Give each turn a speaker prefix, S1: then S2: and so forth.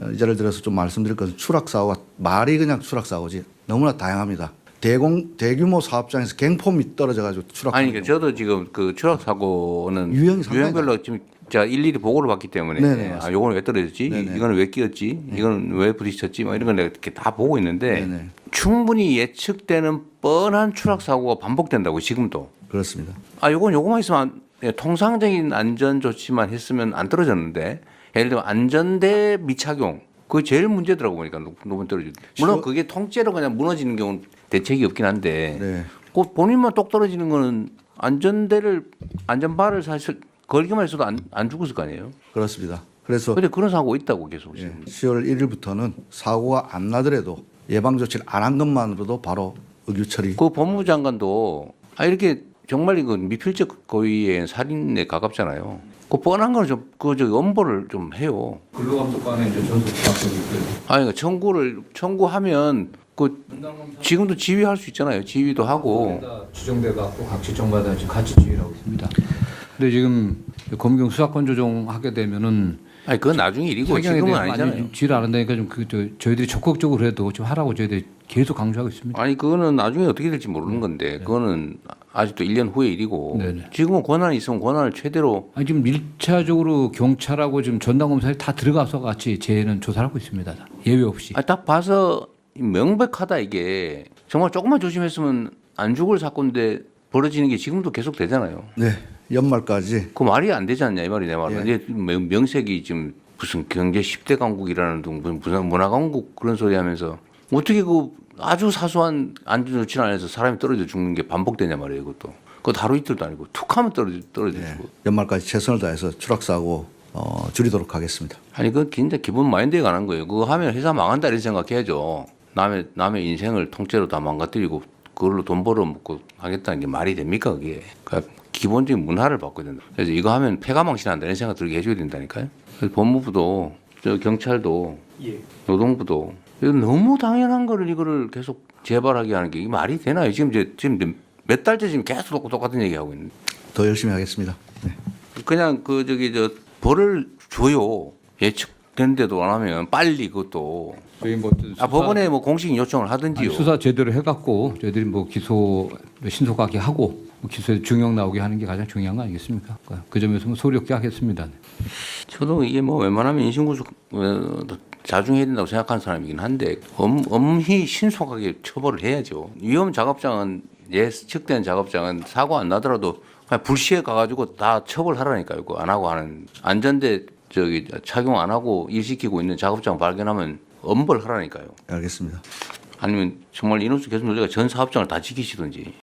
S1: 예를 들어서 좀 말씀드릴 것은 추락사고가 말이 그냥 추락사고지 너무나 다양합니다. 대규모 사업장에서 갱폼이 떨어져가지고 추락.
S2: 아니, 그러니까 저도 지금 그 추락 사고는
S1: 유형이 상당히
S2: 유형별로 지금 제가 일일이 보고를 받기 때문에
S1: 네네,
S2: 아, 요거는 왜 떨어졌지?
S1: 네네.
S2: 이거는 왜 끼었지? 이거는 왜 부딪혔지? 뭐 이런 걸 내가 이렇게 다 보고 있는데
S1: 네네.
S2: 충분히 예측되는 뻔한 추락 사고가 반복된다고 지금도.
S1: 그렇습니다.
S2: 아, 요거만 있으면 통상적인 안전 조치만 했으면 안 떨어졌는데 예를 들면 안전대 미착용 그게 제일 문제더라고 보니까 높은 떨어지고 물론 그게 통째로 그냥 무너지는 경우는 대책이 없긴 한데
S1: 네.
S2: 그 본인만 똑 떨어지는 거는 안전바를 사실 걸기만 했어도 안 죽었을 거 아니에요.
S1: 그렇습니다. 그래서
S2: 근데 그런 사고 있다고 계속
S1: 예,
S2: 지금.
S1: 10월 1일부터는 사고가 안 나더라도 예방 조치를 안 한 것만으로도 바로 의규 처리.
S2: 그 법무부 장관도 이렇게 정말 이거 미필적 고의의 살인에 가깝잖아요. 그 뻔한 거는 저 엄벌을 좀 해요.
S3: 근로감독관에 이제 전속 부탁드리고
S2: 아니, 그러니까 청구하면 그 지금도 지휘할 수 있잖아요. 지휘도 하고.
S3: 지정돼 갖고 각 지청마다 지금 같이 지휘를 하고 있습니다. 근데 지금 검경 수사권 조정하게 되면은
S2: 아니, 그건 나중에 일이고
S3: 사경에
S2: 지금은
S3: 대해서
S2: 아니잖아요.
S3: 많이 지휘를 안 한다니까 좀 저희들이 적극적으로 해도 좀 하라고 저희들이 계속 강조하고 있습니다.
S2: 아니, 그거는 나중에 어떻게 될지 모르는 건데 그거는 아직도 1년 후의 일이고
S3: 네네.
S2: 지금은 권한이 있으면 권한을 최대로.
S3: 아니 지금 1차적으로 경찰하고 지금 전담검사에 다 들어가서 같이 저희는 조사를 하고 있습니다. 예외 없이.
S2: 딱 봐서 명백하다 이게. 정말 조금만 조심했으면 안 죽을 사건인데 벌어지는 게 지금도 계속 되잖아요.
S1: 네. 연말까지
S2: 그 말이 안 되지 않냐 이 말이 내 말은.
S1: 예.
S2: 이제 명색이 지금 무슨 경제 10대 강국이라는 둥 무슨 문화 강국 그런 소리 하면서 어떻게 그 아주 사소한 안전 조치를 안 해서 사람이 떨어져 죽는 게 반복되냐 말이에요. 이것도. 그거 하루 이틀도 아니고 툭 하면 떨어져
S1: 예,
S2: 죽고.
S1: 연말까지 최선을 다해서 추락사고 줄이도록 하겠습니다.
S2: 아니 그 진짜 기본 마인드에 관한 거예요. 그거 하면 회사 망한다 이런 생각해야죠. 남의 인생을 통째로 다 망가뜨리고 그걸로 돈 벌어먹고 하겠다는 게 말이 됩니까 그게. 그러니까 기본적인 문화를 바꿔야 된다. 그래서 이거 하면 폐가망신한다 이런 생각 들게 해줘야 된다니까요. 그래서 법무부도 저 경찰도 노동부도 이거 너무 당연한 거를 이거를 계속 재발하게 하는 게 이게 말이 되나요? 지금 몇 달째 지금 계속 똑같은 얘기 하고 있는데.
S1: 더 열심히 하겠습니다. 네.
S2: 그냥 벌을 줘요. 예측된데도 안 하면 빨리 그것도.
S3: 저희 뭐
S2: 법원에 뭐 공식 요청을 하든지요.
S3: 수사 제대로 해갖고 저희들이 뭐 기소 신속하게 하고 기소에 중형 나오게 하는 게 가장 중요한 거 아니겠습니까? 그 점에서 뭐 소리 없게 하겠습니다.
S2: 저도 이게 뭐 웬만하면 인신구속 자중해야 된다고 생각하는 사람이긴 한데 엄히 신속하게 처벌을 해야죠. 위험 작업장은 예측된 작업장은 사고 안 나더라도 그냥 불시에 가가지고 다 처벌하라니까요. 그거 안 하고 하는 안전대 착용 안 하고 일 시키고 있는 작업장 발견하면 엄벌하라니까요.
S1: 알겠습니다.
S2: 아니면 정말 인원수 개선 조제가 전 사업장을 다 지키시든지